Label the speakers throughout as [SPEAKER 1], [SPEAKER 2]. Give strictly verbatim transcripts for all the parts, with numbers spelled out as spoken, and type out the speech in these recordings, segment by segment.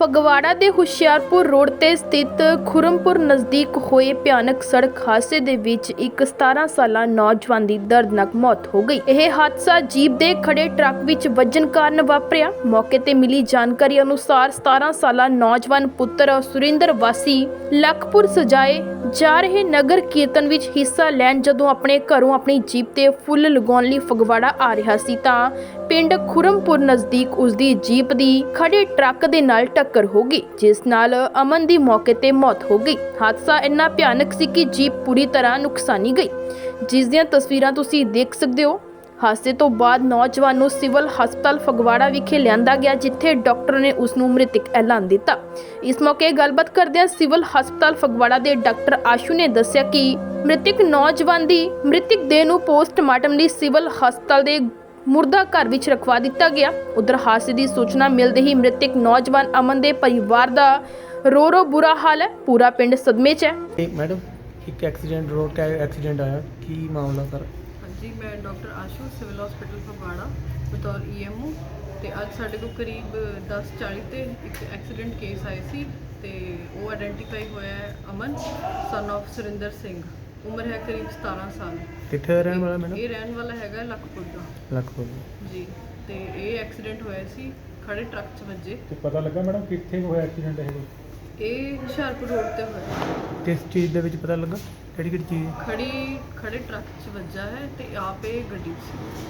[SPEAKER 1] ਫਗਵਾੜਾ ਦੇ ਹੁਸ਼ਿਆਰਪੁਰ ਰੋਡ ਤੇ ਸਥਿਤ ਖੁਰਮਪੁਰ ਨਜ਼ਦੀਕ ਹੋਏ ਭਿਆਨਕ ਸੜਕ ਹਾਦਸੇ ਦੇ ਵਿੱਚ ਇੱਕ ਸਤਾਰਾਂ ਸਾਲਾ ਨੌਜਵਾਨ ਦੀ ਦਰਦਨਾਕ ਮੌਤ ਹੋ ਗਈ। ਇਹ ਹਾਦਸਾ ਜੀਪ ਦੇ ਖੜੇ ਟਰੱਕ ਵਿੱਚ ਵੱਜਣ ਕਾਰਨ ਵਾਪਰਿਆ। ਮੌਕੇ ਤੇ ਮਿਲੀ ਜਾਣਕਾਰੀ ਅਨੁਸਾਰ ਸਤਾਰਾਂ ਸਾਲਾ ਨੌਜਵਾਨ ਪੁੱਤਰ ਸੁਰਿੰਦਰ ਵਾਸੀ ਲਖਪੁਰ ਸਜਾਏ ਜਾ ਰਹੇ ਨਗਰ ਕੀਰਤਨ ਵਿੱਚ ਹਿੱਸਾ ਲੈਣ ਜਦੋਂ ਆਪਣੇ ਘਰੋਂ ਆਪਣੀ ਜੀਪ ਤੇ ਫੁੱਲ ਲਗਾਉਣ ਲਈ ਫਗਵਾੜਾ ਆ ਰਿਹਾ ਸੀ ਤਾਂ ਪਿੰਡ ਖੁਰਮਪੁਰ ਨਜ਼ਦੀਕ ਉਸ ਦੀ ਜੀਪ ਦੀ ਖੜੇ ਟਰੱਕ ਦੇ ਨਾਲ ਟੱਕਰ ਹੋ ਗਈ, ਜਿਸ ਨਾਲ ਅਮਨ ਦੀ ਮੌਕੇ ਤੇ ਮੌਤ ਹੋ ਗਈ। ਹਾਦਸਾ ਇੰਨਾ ਭਿਆਨਕ ਸੀ ਕਿ ਜੀਪ ਪੂਰੀ ਤਰ੍ਹਾਂ ਨੁਕਸਾਨੀ ਗਈ, ਜਿਸ ਦੀਆਂ ਤਸਵੀਰਾਂ ਤੁਸੀਂ ਦੇਖ ਸਕਦੇ ਹੋ। ਹਾਦਸੇ ਤੋਂ ਬਾਅਦ ਨੌਜਵਾਨ ਨੂੰ ਸਿਵਲ ਹਸਪਤਾਲ ਫਗਵਾੜਾ ਵਿਖੇ ਲਿਆਂਦਾ ਗਿਆ, ਜਿੱਥੇ ਡਾਕਟਰ ਨੇ ਉਸ ਨੂੰ ਮ੍ਰਿਤਕ ਐਲਾਨ ਦਿੱਤਾ। ਇਸ ਮੌਕੇ ਗੱਲਬਾਤ ਕਰਦਿਆਂ ਸਿਵਲ ਹਸਪਤਾਲ ਫਗਵਾੜਾ ਦੇ ਡਾਕਟਰ ਆਸ਼ੂ ਨੇ ਦੱਸਿਆ ਕਿ ਮ੍ਰਿਤਕ ਨੌਜਵਾਨ ਦੀ ਮ੍ਰਿਤਕ ਦੇਹ ਨੂੰ ਪੋਸਟਮਾਰਟਮ ਲਈ ਸਿਵਲ ਹਸਪਤਾਲ ਦੇ ਮੁਰਦਾ ਘਰ ਵਿੱਚ ਰਖਵਾ ਦਿੱਤਾ ਗਿਆ। ਉਧਰ ਹਾਦਸੇ ਦੀ ਸੂਚਨਾ ਮਿਲਦੇ ਹੀ ਮ੍ਰਿਤਕ ਨੌਜਵਾਨ ਅਮਨ ਦੇ ਪਰਿਵਾਰ ਦਾ ਰੋ ਰੋ ਬੁਰਾ ਹਾਲ ਹੈ। ਪੂਰਾ ਪਿੰਡ ਸਦਮੇ 'ਚ ਹੈ।
[SPEAKER 2] ਮੈਡਮ ਇੱਕ ਐਕਸੀਡੈਂਟ ਰੋਡ का एक्सीडेंट आया की मामला सर?
[SPEAKER 3] हाँ जी, मैं doctor Ashu civil hospital Phagwara बतौर ई एम ओ ਤੇ ਅੱਜ ਸਾਡੇ ਕੋਲ ਕਰੀਬ ਦਸ ਚਾਲੀ ਤੇ ਇੱਕ ਐਕਸੀਡੈਂਟ ਕੇਸ ਆਏ ਸੀ ਤੇ ਉਹ ਆਇਡੈਂਟੀਫਾਈ ਹੋਇਆ ਹੈ ਅਮਨ ਸਨ of ਸੁਰਿੰਦਰ ਸਿੰਘ। ਉਮਰ ਹੈ ਕਰੀਬ ਸਤਾਰਾਂ ਸਾਲ।
[SPEAKER 2] ਕਿੱਥੇ ਰਹਿਣ ਵਾਲਾ ਮੈਡਮ?
[SPEAKER 3] ਇਹ ਰਹਿਣ ਵਾਲਾ ਹੈਗਾ ਲਖਪੁਰ ਦਾ।
[SPEAKER 2] ਲਖਪੁਰ
[SPEAKER 3] ਜੀ, ਤੇ ਇਹ ਐਕਸੀਡੈਂਟ ਹੋਇਆ ਸੀ ਖੜੇ ਟਰੱਕ 'ਚ ਵੱਜੇ।
[SPEAKER 4] ਤੇ ਪਤਾ ਲੱਗਾ ਮੈਡਮ ਕਿੱਥੇ ਹੋਇਆ ਐਕਸੀਡੈਂਟ ਇਹ?
[SPEAKER 3] ਇਹ ਹੁਸ਼ਿਆਰਪੁਰ ਰੋਡ ਤੇ ਹੋਇਆ।
[SPEAKER 2] ਕਿਸ ਚੀਜ਼ ਦੇ ਵਿੱਚ ਪਤਾ ਲੱਗਾ? ਕਿਹੜੀ ਕਿਹੜੀ ਚੀਜ਼?
[SPEAKER 3] ਖੜੀ ਖੜੇ ਟਰੱਕ 'ਚ ਵੱਜਾ ਹੈ ਤੇ ਆਪ ਇਹ ਗੱਡੀ 'ਚ ਸੀ।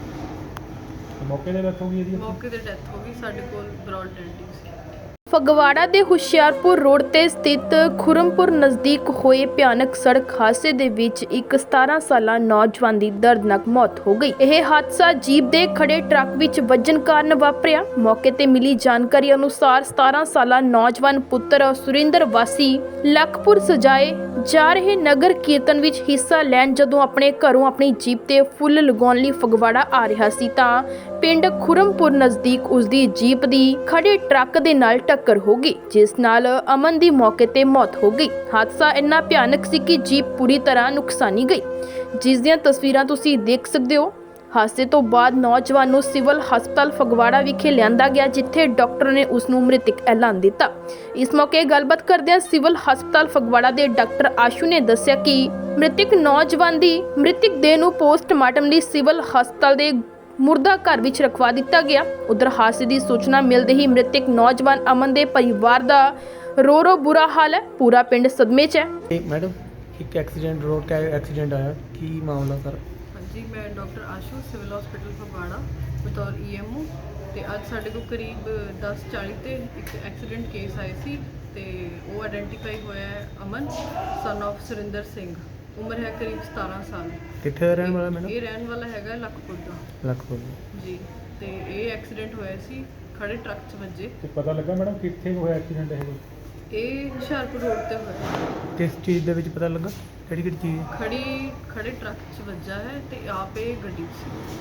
[SPEAKER 4] ਮੌਕੇ ਤੇ ਡੈਥ ਹੋ ਗਈ ਇਹਦੀ?
[SPEAKER 3] ਮੌਕੇ ਤੇ ਡੈਥ ਹੋ ਗਈ। ਸਾਡੇ ਕੋਲ ਬਰੌਡ ਡੈਡ ਸੀ।
[SPEAKER 1] ਫਗਵਾੜਾ ਦੇ ਹੁਸ਼ਿਆਰਪੁਰ ਰੋਡ ਤੇ ਸਥਿਤ ਖੁਰਮਪੁਰ ਨਜ਼ਦੀਕ ਹੋਏ ਭਿਆਨਕ ਸੜਕ ਹਾਦਸੇ ਦੇ ਵਿੱਚ ਇੱਕ ਸਤਾਰਾਂ ਸਾਲਾ ਨੌਜਵਾਨ ਦੀ ਦਰਦਨਾਕ ਮੌਤ ਹੋ ਗਈ। ਇਹ ਹਾਦਸਾ ਜੀਪ ਦੇ ਖੜੇ ਟਰੱਕ ਵਿੱਚ ਵੱਜਣ ਕਾਰਨ ਵਾਪਰਿਆ। ਮੌਕੇ ਤੇ ਮਿਲੀ ਜਾਣਕਾਰੀ ਅਨੁਸਾਰ ਸਤਾਰਾਂ ਸਾਲਾ ਨੌਜਵਾਨ ਪੁੱਤਰ ਸੁਰਿੰਦਰ ਵਾਸੀ ਲਖਪੁਰ ਸਜਾਏ ਜਾ ਰਹੇ ਨਗਰ ਕੀਰਤਨ ਵਿੱਚ ਹਿੱਸਾ ਲੈਣ ਜਦੋਂ ਆਪਣੇ ਘਰੋਂ ਆਪਣੀ ਜੀਪ ਤੇ ਫੁੱਲ ਲਗਾਉਣ ਲਈ ਫਗਵਾੜਾ ਆ ਰਿਹਾ ਸੀ ਤਾਂ ਪਿੰਡ ਖੁਰਮਪੁਰ ਨਜ਼ਦੀਕ ਉਸ ਦੀ ਜੀਪ ਦੀ ਖੜੇ ਟਰੱਕ ਦੇ ਨਾਲ ਟੱਕਰ ਹੋ ਗਈ, ਜਿਸ ਨਾਲ ਅਮਨ ਦੀ ਮੌਕੇ ਤੇ ਮੌਤ ਹੋ ਗਈ। ਹਾਦਸਾ ਇੰਨਾ ਭਿਆਨਕ ਸੀ ਕਿ ਜੀਪ ਪੂਰੀ ਤਰ੍ਹਾਂ ਨੁਕਸਾਨੀ ਗਈ, ਜਿਸ ਦੀਆਂ ਤਸਵੀਰਾਂ ਤੁਸੀਂ ਦੇਖ ਸਕਦੇ ਹੋ। ਹਾਦਸੇ ਤੋਂ ਬਾਅਦ ਨੌਜਵਾਨ ਨੂੰ ਸਿਵਲ ਹਸਪਤਾਲ ਫਗਵਾੜਾ ਵਿਖੇ ਲਿਆਂਦਾ ਗਿਆ, ਜਿੱਥੇ ਡਾਕਟਰ ਨੇ ਉਸ ਨੂੰ ਮ੍ਰਿਤਕ ਐਲਾਨ ਦਿੱਤਾ। ਇਸ ਮੌਕੇ ਗੱਲਬਾਤ ਕਰਦਿਆਂ ਸਿਵਲ ਹਸਪਤਾਲ ਫਗਵਾੜਾ ਦੇ ਡਾਕਟਰ ਆਸ਼ੂ ਨੇ ਦੱਸਿਆ ਕਿ ਮ੍ਰਿਤਕ ਨੌਜਵਾਨ ਦੀ ਮ੍ਰਿਤਕ ਦੇਹ ਨੂੰ ਪੋਸਟਮਾਰਟਮ ਲਈ ਸਿਵਲ ਹਸਪਤਾਲ ਦੇ ਮੁਰਦਾ ਘਰ ਵਿੱਚ ਰਖਵਾ ਦਿੱਤਾ ਗਿਆ। ਉਧਰ ਹਾਦਸੇ ਦੀ ਸੂਚਨਾ ਮਿਲਦੇ ਹੀ ਮ੍ਰਿਤਕ ਨੌਜਵਾਨ ਅਮਨ ਦੇ ਪਰਿਵਾਰ ਦਾ ਰੋ ਰੋ ਬੁਰਾ ਹਾਲ ਹੈ। ਪੂਰਾ ਪਿੰਡ ਸਦਮੇ 'ਚ ਹੈ।
[SPEAKER 2] ਮੈਡਮ ਇੱਕ ਐਕਸੀਡੈਂਟ ਰੋਡ का एक्सीडेंट आया की मामला सर?
[SPEAKER 3] हाँ जी, मैं doctor Ashu civil hospital Phagwara बतौर ई एम ओ ਤੇ ਅੱਜ ਸਾਡੇ ਕੋਲ ਕਰੀਬ ਦਸ ਚਾਲੀ ਤੇ ਇੱਕ ਐਕਸੀਡੈਂਟ ਕੇਸ ਆਏ ਸੀ ਤੇ ਉਹ ਆਇਡੈਂਟੀਫਾਈ ਹੋਇਆ ਹੈ ਅਮਨ ਸਨ of ਸੁਰਿੰਦਰ ਸਿੰਘ। ਉਮਰ ਹੈ ਕਰੀਬ ਸਤਾਰਾਂ ਸਾਲ।
[SPEAKER 2] ਕਿੱਥੇ ਰਹਿਣ ਵਾਲਾ ਮੈਡਮ?
[SPEAKER 3] ਇਹ ਰਹਿਣ ਵਾਲਾ ਹੈਗਾ ਲਖਪੁਰ ਦਾ।
[SPEAKER 2] ਲਖਪੁਰ
[SPEAKER 3] ਜੀ, ਤੇ ਇਹ ਐਕਸੀਡੈਂਟ ਹੋਇਆ ਸੀ ਖੜੇ ਟਰੱਕ 'ਚ ਵੱਜੇ।
[SPEAKER 4] ਤੇ ਪਤਾ ਲੱਗਾ ਮੈਡਮ ਕਿੱਥੇ ਹੋਇਆ ਐਕਸੀਡੈਂਟ ਇਹ?
[SPEAKER 3] ਇਹ ਹੁਸ਼ਿਆਰਪੁਰ ਰੋਡ ਤੇ ਹੋਇਆ।
[SPEAKER 2] ਕਿਸ ਚੀਜ਼ ਦੇ ਵਿੱਚ ਪਤਾ ਲੱਗਾ? ਕਿਹੜੀ ਕਿਹੜੀ ਚੀਜ਼?
[SPEAKER 3] ਖੜੀ ਖੜੇ ਟਰੱਕ 'ਚ ਵੱਜਾ ਹੈ ਤੇ ਆਪ ਇਹ ਗੱਡੀ 'ਚ ਸੀ।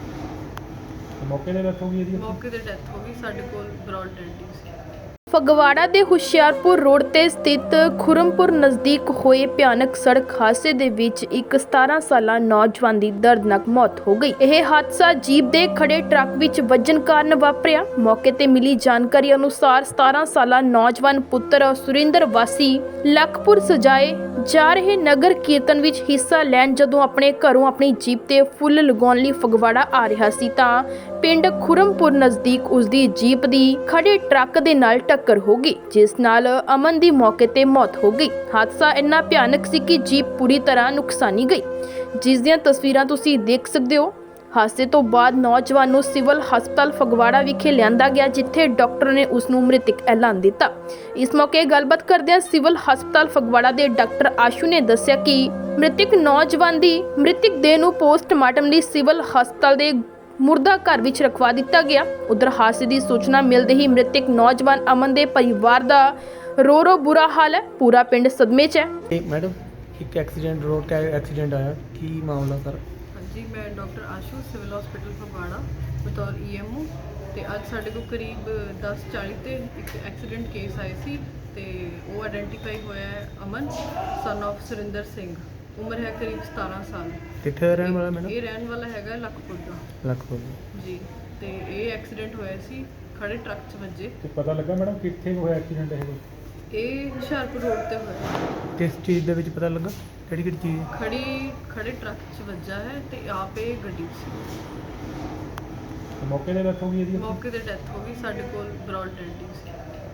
[SPEAKER 4] ਮੌਕੇ ਤੇ ਡੈਥ ਹੋ ਗਈ ਇਹਦੀ?
[SPEAKER 3] ਮੌਕੇ ਤੇ ਡੈਥ ਹੋ ਗਈ। ਸਾਡੇ ਕੋਲ ਬਰੌਡ ਡੈਡ ਸੀ।
[SPEAKER 1] ਫਗਵਾੜਾ ਦੇ ਹੁਸ਼ਿਆਰਪੁਰ ਰੋਡ ਤੇ ਸਥਿਤ ਖੁਰਮਪੁਰ ਨਜ਼ਦੀਕ ਹੋਏ ਭਿਆਨਕ ਸੜਕ ਹਾਦਸੇ ਦੇ ਵਿੱਚ ਇੱਕ ਸਤਾਰਾਂ ਸਾਲਾ ਨੌਜਵਾਨ ਦੀ ਦਰਦਨਾਕ ਮੌਤ ਹੋ ਗਈ। ਇਹ ਹਾਦਸਾ ਜੀਪ ਦੇ ਖੜੇ ਟਰੱਕ ਵਿੱਚ ਵੱਜਣ ਕਾਰਨ ਵਾਪਰਿਆ। ਮੌਕੇ ਤੇ ਮਿਲੀ ਜਾਣਕਾਰੀ ਅਨੁਸਾਰ ਸਤਾਰਾਂ ਸਾਲਾ ਨੌਜਵਾਨ ਪੁੱਤਰ ਸੁਰਿੰਦਰ ਵਾਸੀ ਲਖਪੁਰ ਸਜਾਏ ਜਾ ਰਹੇ ਨਗਰ ਕੀਰਤਨ ਵਿੱਚ ਹਿੱਸਾ ਲੈਣ ਜਦੋਂ ਆਪਣੇ ਘਰੋਂ ਆਪਣੀ ਜੀਪ ਤੇ ਫੁੱਲ ਲਗਾਉਣ ਲਈ ਫਗਵਾੜਾ ਆ ਰਿਹਾ ਸੀ ਤਾਂ ਪਿੰਡ ਖੁਰਮਪੁਰ ਨਜ਼ਦੀਕ ਉਸ ਦੀ ਜੀਪ ਦੀ ਖੜੇ ਟਰੱਕ ਦੇ ਨਾਲ ਟੱਕਰ ਹੋ ਗਈ, ਜਿਸ ਨਾਲ ਅਮਨ ਦੀ ਮੌਕੇ ਤੇ ਮੌਤ ਹੋ ਗਈ। ਹਾਦਸਾ ਇੰਨਾ ਭਿਆਨਕ ਸੀ ਕਿ ਜੀਪ ਪੂਰੀ ਤਰ੍ਹਾਂ ਨੁਕਸਾਨੀ ਗਈ, ਜਿਸ ਦੀਆਂ ਤਸਵੀਰਾਂ ਤੁਸੀਂ ਦੇਖ ਸਕਦੇ ਹੋ। ਹਾਦਸੇ ਤੋਂ ਬਾਅਦ ਨੌਜਵਾਨ ਨੂੰ ਸਿਵਲ ਹਸਪਤਾਲ ਫਗਵਾੜਾ ਵਿਖੇ ਲਿਆਂਦਾ ਗਿਆ, ਜਿੱਥੇ ਡਾਕਟਰ ਨੇ ਉਸ ਨੂੰ ਮ੍ਰਿਤਕ ਐਲਾਨ ਦਿੱਤਾ। ਇਸ ਮੌਕੇ ਗੱਲਬਾਤ ਕਰਦਿਆਂ ਸਿਵਲ ਹਸਪਤਾਲ ਫਗਵਾੜਾ ਦੇ ਡਾਕਟਰ ਆਸ਼ੂ ਨੇ ਦੱਸਿਆ ਕਿ ਮ੍ਰਿਤਕ ਨੌਜਵਾਨ ਦੀ ਮ੍ਰਿਤਕ ਦੇਹ ਨੂੰ ਪੋਸਟਮਾਰਟਮ ਲਈ ਸਿਵਲ ਹਸਪਤਾਲ ਦੇ ਮੁਰਦਾ ਘਰ ਵਿੱਚ ਰਖਵਾ ਦਿੱਤਾ ਗਿਆ। ਉਧਰ ਹਾਦਸੇ ਦੀ ਸੂਚਨਾ ਮਿਲਦੇ ਹੀ ਮ੍ਰਿਤਕ ਨੌਜਵਾਨ ਅਮਨ ਦੇ ਪਰਿਵਾਰ ਦਾ ਰੋ ਰੋ ਬੁਰਾ ਹਾਲ ਹੈ। ਪੂਰਾ ਪਿੰਡ ਸਦਮੇ 'ਚ ਹੈ।
[SPEAKER 2] ਮੈਡਮ ਇੱਕ ਐਕਸੀਡੈਂਟ ਰੋਡ का एक्सीडेंट आया की मामला सर?
[SPEAKER 3] हाँ जी, मैं doctor Ashu civil hospital Phagwara बतौर ई एम ओ ਤੇ ਅੱਜ ਸਾਡੇ ਕੋਲ ਕਰੀਬ ਦਸ ਚਾਲੀ ਤੇ ਇੱਕ ਐਕਸੀਡੈਂਟ ਕੇਸ ਆਏ ਸੀ ਤੇ ਉਹ ਆਇਡੈਂਟੀਫਾਈ ਹੋਇਆ ਹੈ ਅਮਨ ਸਨ of ਸੁਰਿੰਦਰ ਸਿੰਘ। ਉਮਰ ਹੈ ਕਰੀਬ ਸਤਾਰਾਂ ਸਾਲ।
[SPEAKER 2] ਕਿੱਥੇ ਰਹਿਣ ਵਾਲਾ ਮੈਡਮ?
[SPEAKER 3] ਇਹ ਰਹਿਣ ਵਾਲਾ ਹੈਗਾ ਲਖਪੁਰ ਦਾ।
[SPEAKER 2] ਲਖਪੁਰ
[SPEAKER 3] ਜੀ, ਤੇ ਇਹ ਐਕਸੀਡੈਂਟ ਹੋਇਆ ਸੀ ਖੜੇ ਟਰੱਕ 'ਚ ਵੱਜੇ।
[SPEAKER 4] ਤੇ ਪਤਾ ਲੱਗਾ ਮੈਡਮ ਕਿੱਥੇ ਕੁ ਹੋਇਆ ਐਕਸੀਡੈਂਟ ਇਹ ਕੋਈ?
[SPEAKER 3] ਇਹ ਹੁਸ਼ਿਆਰਪੁਰ ਰੋਡ ਤੇ ਹੋਇਆ।
[SPEAKER 2] ਕਿਸ ਚੀਜ਼ ਦੇ ਵਿੱਚ ਪਤਾ ਲੱਗਾ ਕਿਹੜੀ ਕਿਹੜੀ ਚੀਜ਼ ਹੈ?
[SPEAKER 3] ਖੜੀ ਖੜੇ ਟਰੱਕ 'ਚ ਵੱਜਾ ਹੈ ਤੇ ਆਪ ਇਹ ਗੱਡੀ 'ਚ ਸੀ।
[SPEAKER 4] ਤੇ ਮੌਕੇ ਤੇ ਡੈਥ ਹੋ ਗਈ ਇਹਦੀ?
[SPEAKER 3] ਮੌਕੇ ਤੇ ਡੈਥ ਹੋ ਗਈ। ਸਾਡੇ ਕੋਲ ਬਰੌਡ ਡੈਂਟਿੰਗ ਸੀ।